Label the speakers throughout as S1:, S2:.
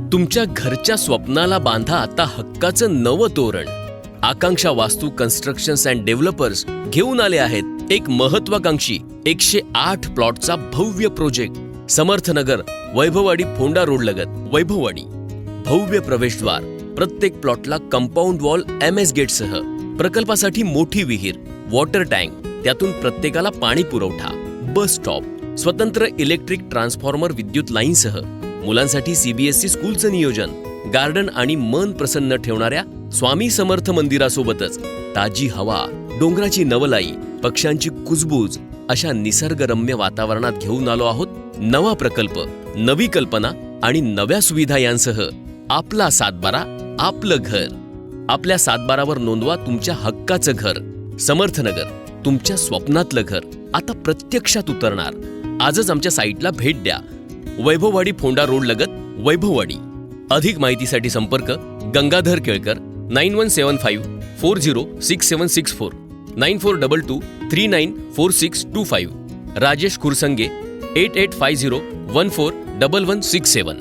S1: तुमच्या घरच्या स्वप्नाला बांधा आता हक्काचं नवं तोरण. आकांक्षा वास्तू कन्स्ट्रक्शन्स अँड डेव्हलपर्स घेऊन आले आहेत एक महत्वाकांक्षी 108 प्लॉटचा भव्य प्रोजेक्ट. समर्थनगर, वैभववाडी, फोंडा रोड लगत वैभववाडी. भव्य प्रवेशद्वार, प्रत्येक प्लॉटला कंपाऊंड वॉल MS गेटसह, प्रकल्पासाठी मोठी विहीर, वॉटर टँक, त्यातून प्रत्येकाला पाणी पुरवठा, बस स्टॉप, स्वतंत्र इलेक्ट्रिक ट्रान्सफॉर्मर, विद्युत लाईनसह, मुलांसाठी CBSE स्कूलचं नियोजन, गार्डन आणि मन प्रसन्न ठेवणाऱ्या स्वामी समर्थ मंदिरासोबतच ताजी हवा, डोंगराची नवलाई, पक्ष्यांची कुजबूज अशा निसर्गरम्य वातावरणात घेऊन आलो आहोत नवा प्रकल्प, नवी कल्पना आणि नव्या सुविधा यांसह आपला 712, आपलं घर. आपल्या 712वर नोंदवा तुमच्या हक्काचं घर. समर्थनगर, तुमच्या स्वप्नातलं घर आता प्रत्यक्षात उतरणार. आजच आमच्या साईटला भेट द्या. वैभववाडी, फोंडा रोड लगत वैभववाडी. अधिक माहितीसाठी संपर्क गंगाधर केळकर 9175 406764 9422 394625. राजेश खुरसंगे 8850 141167.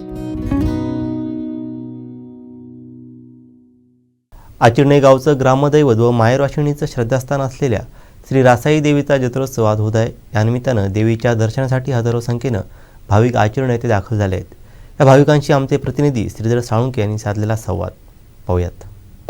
S2: आचिर्णे गावचं ग्रामदैवत व माहेरवाशिणीचं श्रद्धास्थान असलेल्या श्री रासाई देवीचा जत्रोत्सव आज होत आहे. यानिमित्तानं देवीच्या दर्शनासाठी हजारो संख्येनं भाविक आचिर्णे येथे दाखल झाले आहेत. या भाविकांशी आमचे प्रतिनिधी श्रीधर साळुंके यांनी साधलेला संवाद पाहूयात.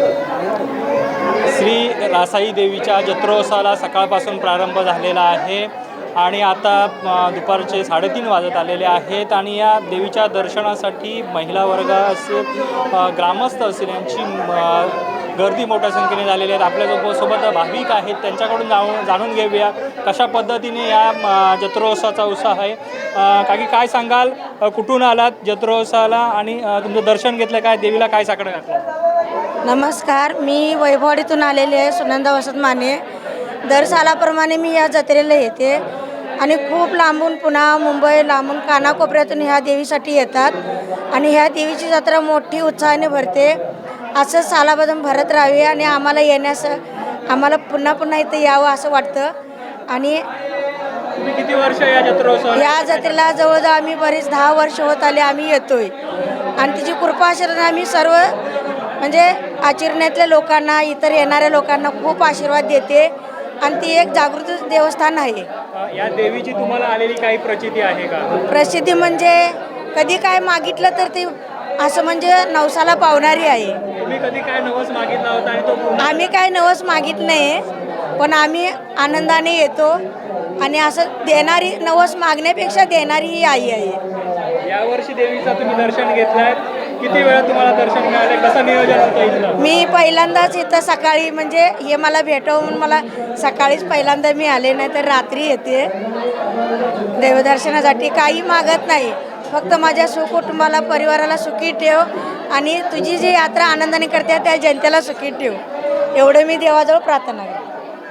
S3: श्री रासाई देवीच्या जत्रोत्सवाला सकाळपासून प्रारंभ झालेला आहे आणि आता दुपारचे 3:30 वाजत आलेले आहेत आणि या देवीच्या दर्शनासाठी महिला वर्ग असेल, ग्रामस्थ असेल यांची गर्दी मोठ्या संख्येने झालेली आहेत. आपल्यासोबत भाविक आहेत, त्यांच्याकडून जाणून घेऊया कशा पद्धतीने या जत्रोत्सवाचा उत्साह आहे. काकी काय सांगाल, कुठून आलात जत्रोत्सवाला आणि तुमचं दर्शन घेतलं, काय देवीला काय साकडं घातलं?
S4: नमस्कार, मी वैभववाडीतून आलेले आहे, सुनंदा वसंत माने. दर सालाप्रमाणे मी या जत्रेला येते आणि खूप लांबून, पुन्हा मुंबई, लांबून कानाकोपऱ्यातून ह्या देवीसाठी येतात आणि ह्या देवीची जत्रा मोठी उत्साहाने भरते. असं सालाबदम भरत राहावे आणि आम्हाला येण्यास, आम्हाला पुन्हा पुन्हा इथं यावं असं वाटतं. आणि
S3: किती वर्ष या जत्रोत्सवाला?
S4: या जत्रेला जवळजवळ आम्ही बरीच 10 वर्ष होत आले आम्ही येतोय आणि तिची कृपा आशीर्वाद आम्ही सर्व म्हणजे आचरण्यातल्या लोकांना, इतर येणाऱ्या लोकांना खूप आशीर्वाद देते आणि ती एक जागृत देवस्थान आहे.
S3: या देवीची तुम्हाला आलेली काही प्रचिती आहे का?
S4: प्रसिद्धी म्हणजे कधी काय मागितलं तर ती असं म्हणजे नवसाला पावणारी आहे.
S3: तुम्ही कधी काय नवस मागितला होता आणि तो?
S4: आम्ही काय नवस मागित नाही, पण आम्ही आनंदाने येतो आणि असं देणारी, नवस मागण्यापेक्षा देणारी ही आई आहे.
S3: यावर्षी देवीचं तुम्ही दर्शन घेतलंय, किती वेळा तुम्हाला दर्शन मिळाले, कसं नियोजन होतं इथलं?
S4: मी पहिल्यांदाच इथं सकाळी, म्हणजे हे मला भेटवून मला सकाळीच पहिल्यांदा मी आले, नाही तर रात्री येते देवदर्शनासाठी. काही मागत नाही, फक्त माझ्या सुकुटुंबाला, परिवाराला सुखी ठेव आणि तुझी जी यात्रा आनंदाने करते त्या जनतेला सुखी ठेव, एवढं मी देवाजवळ प्रार्थना करते.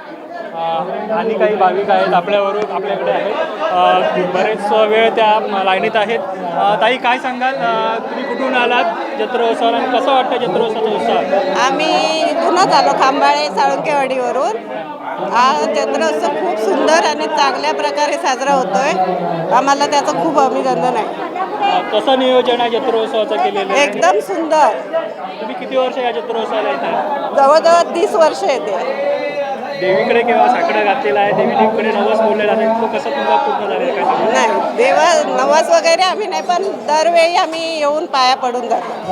S3: आणि काही भाविक आहेत आपल्याकडे आहेत, बरेच वेळ त्या लाईनीत आहेत. ताई काय सांगाल, तुम्ही कुठून आलात जत्रोत्सवाला आणि कसं वाटतं जत्रोत्सवाचा उत्साह?
S5: आम्ही इथूनच आलो, खांबाळे साळुंकेवाडीवरून. हा जत्रोत्सव खूप सुंदर आणि चांगल्या प्रकारे साजरा होतोय, आम्हाला त्याचं खूप अभिनंदन आहे.
S3: कसं नियोजन आहे जत्रोत्सवाचं केलेलं?
S5: एकदम सुंदर.
S3: तुम्ही किती वर्ष या जत्रोत्सवाला येतात?
S5: जवळजवळ 30 वर्ष येते.
S3: देवीकडे केव्हा साकडं घातलेलं आहे, देवीकडे नवस बोललेला आहे, तो कसं तुमचा पूर्ण झालेला काय सांगा?
S5: नाही, देवा नवस वगैरे आम्ही नाही, पण दरवेळी आम्ही येऊन पाया पडून जातो.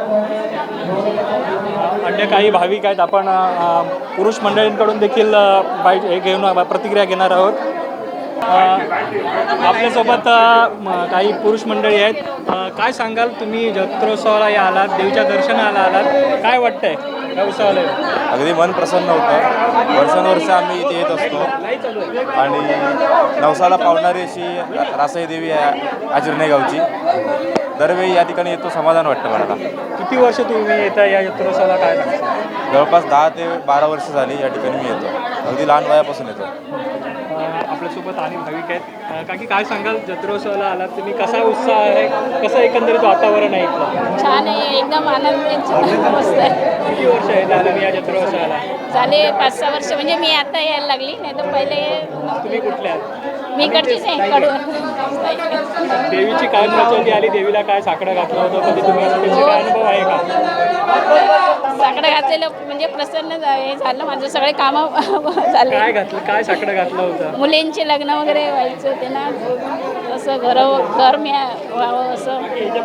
S3: अन्य काही भाविक आहेत, आपण पुरुष मंडळींकडून देखील हे घेऊन प्रतिक्रिया घेणार आहोत. आपल्यासोबत काही पुरुष मंडळी आहेत. काय सांगाल, तुम्ही जत्रोत्सवाला आलात, देवीच्या दर्शनाला आलात, काय वाटतंय या उत्सवाला?
S6: अगदी मन प्रसन्न होतं. वर्षानुवर्ष आम्ही इथे येत असतो आणि नवसाला पावणारी अशी रासाई देवी आहे आचिर्णे गावची. दरवेळी या ठिकाणी येतो, समाधान वाटतं मला.
S3: किती वर्ष तुम्ही येता या जत्रोत्सवाला, काय सांगता?
S6: जवळपास 10 ते 12 वर्ष झाली या ठिकाणी मी येतो, अगदी लहान वयापासून येतो.
S3: आपल्यासोबत आणि भाविक आहेत. काकी काय सांगाल, जत्रोत्सवाला आलात तुम्ही, कसा उत्साह आहे, कसं एकंदरीत वातावरण आहे इथलं?
S7: छान आहे, एकदम आनंद, मस्त आहे.
S3: किती वर्ष आहे झालं या जत्रोत्सवाला?
S7: झाले 5-6 वर्ष, म्हणजे मी आता यायला लागली, नाही तर पहिले.
S3: तुम्ही कुठले आहात?
S7: मी इकडचीच आहे कडून.
S3: देवीची काय प्रचंडी आली, देवीला काय साकडं घातलं होतं, कधी तुम्ही असं त्याचे काय अनुभव आहे का?
S7: साकडं घातलेलं म्हणजे प्रसन्न हे झालं, माझं सगळे कामं झाले.
S3: काय घातलं, काय साकडं घातलं होतं?
S7: मुलींचे लग्न वगैरे व्हायचं होते ना, असं घर मी व्हावं असं.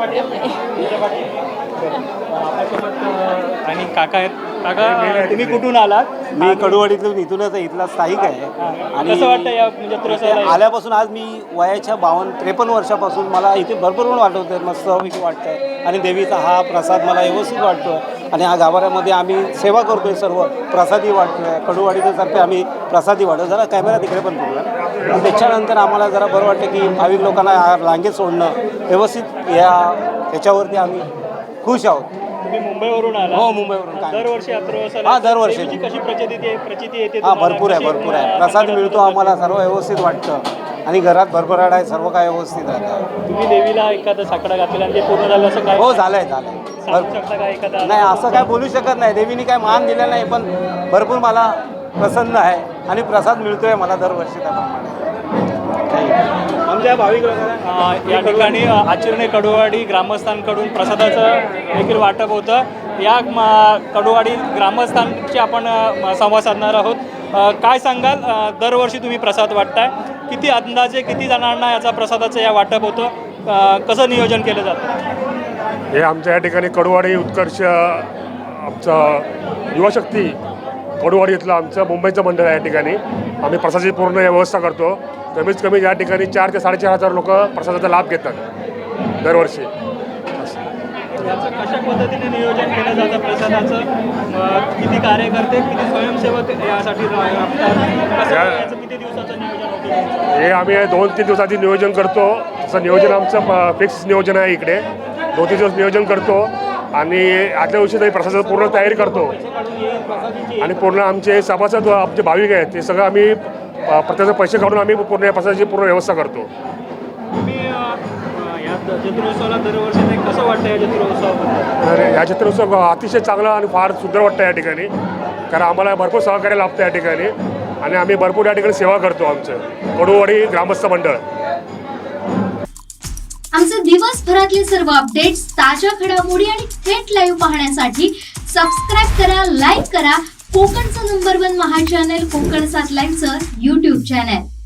S3: आणि काका आहेत. काका, तुम्ही कुठून आलात?
S8: मी कडुवाडीतून इथूनच आहे, इथला स्थायिक आहे. आणि
S3: कसं वाटतं या जत्रोत्सवाला?
S8: आल्यापासून आज मी वयाच्या 53 वर्षापासून मला इथे भरपूर वाटत होतं, मस्तपैकी वाटतं आहे. आणि देवीचा हा प्रसाद मला व्यवस्थित वाटतो आहे. आणि हा गाभाऱ्यामध्ये आम्ही सेवा करतो आहे, सर्व प्रसादी वाटतो आहे. कडुवाडीतर्फे आम्ही प्रसादी वाटतो. जरा कॅमेरा तिकडे पण बघूया. आणि त्याच्यानंतर आम्हाला जरा बरं वाटतं की भाविक लोकांना रांगेत सोडणं व्यवस्थित याच्यावरती आम्ही खुश आहोत.
S3: तुम्ही मुंबईवरून आला?
S8: हो, मुंबईवरून. काय
S3: दरवर्षी यात्रोत्सवाला
S8: हा, दरवर्षी.
S3: देवीची कशी प्रचिती येते
S8: हां,
S3: तुम्हाला?
S8: भरपूर आहे,
S3: कशी,
S8: भरपूर आहे. प्रसाद मिळतो आम्हाला, सर्व व्यवस्थित वाटतं. आणि घरात भरभराट आहे, सर्व काय व्यवस्थित राहतं.
S3: तुम्ही देवीला एखादा साकडा घातलेला आणि ते पूर्ण झालं असं काय
S8: हो, झालंय झालंय.
S3: सांगू शकता का एखादा?
S8: नाही, असं काय बोलू शकत नाही. देवीने काय मान दिला नाही, पण भरपूर मला प्रसन्न आहे आणि प्रसाद मिळतोय मला दरवर्षी त्याप्रमाणे. आमच्या भाविक लोकांना
S3: या ठिकाणी आचरणे कडुवाडी ग्रामस्थांकडून प्रसादाचं देखील वाटप होतं. या कडुवाडी ग्रामस्थांची आपण संवाद साधणार आहोत. काय सांगाल, दरवर्षी तुम्ही प्रसाद वाटताय, किती अंदाजे किती जणांना याचा प्रसादाचं या वाटप होतं, कसं नियोजन केलं जातं?
S9: हे आमच्या या ठिकाणी कडुवाडी उत्कर्ष आमचं युवाशक्ती कडुवाडी इथलं आमचं मुंबईचं मंडळ आहे. या ठिकाणी आम्ही प्रसादाची पूर्ण व्यवस्था करतो. कमीत कमी या ठिकाणी 4,000 ते 4,500 लोक प्रसादाचा लाभ घेतात दरवर्षी.
S3: याचं कशा पद्धतीने नियोजन केलं जातं प्रसादाचं? किती कार्यकर्ते, किती स्वयंसेवक यासाठी राबतात? याचं किती दिवसाचं नियोजन होतं?
S9: हे आम्ही 2-3 दिवसाची नियोजन करतो. तसं नियोजन आमचं फिक्स नियोजन आहे. इकडे 2-3 दिवस नियोजन करतो आणि आदल्या दिवशी तरी प्रसादाची पूर्ण तयारी करतो. आणि पूर्ण आमचे सभासद आमचे भाविक आहेत ते सगळं आम्ही प्रत्येकाचे पैसे काढून आम्ही पूर्ण या प्रसादाची पूर्ण व्यवस्था करतो.
S3: तुम्ही या जत्रोत्सवाला दरवर्षी ते कसं वाटतं या जत्रोत्सवाबद्दल?
S9: तर या चित्रोत्सव अतिशय चांगला आणि फार सुंदर वाटतं या ठिकाणी, कारण आम्हाला भरपूर सहकार्य लाभतं या ठिकाणी आणि आम्ही भरपूर या ठिकाणी सेवा करतो. आमचं कडुवाडी ग्रामस्थ मंडळ.
S10: आमचे दिवसभरातले सर्व अपडेट्स, ताज्या घडामोडी आणि थेट लाईव्ह पाहण्यासाठी सबस्क्राईब करा, लाईक करा कोकणचं नंबर 1 महा चॅनल कोकण 7 लाईव्हचं YouTube चॅनल.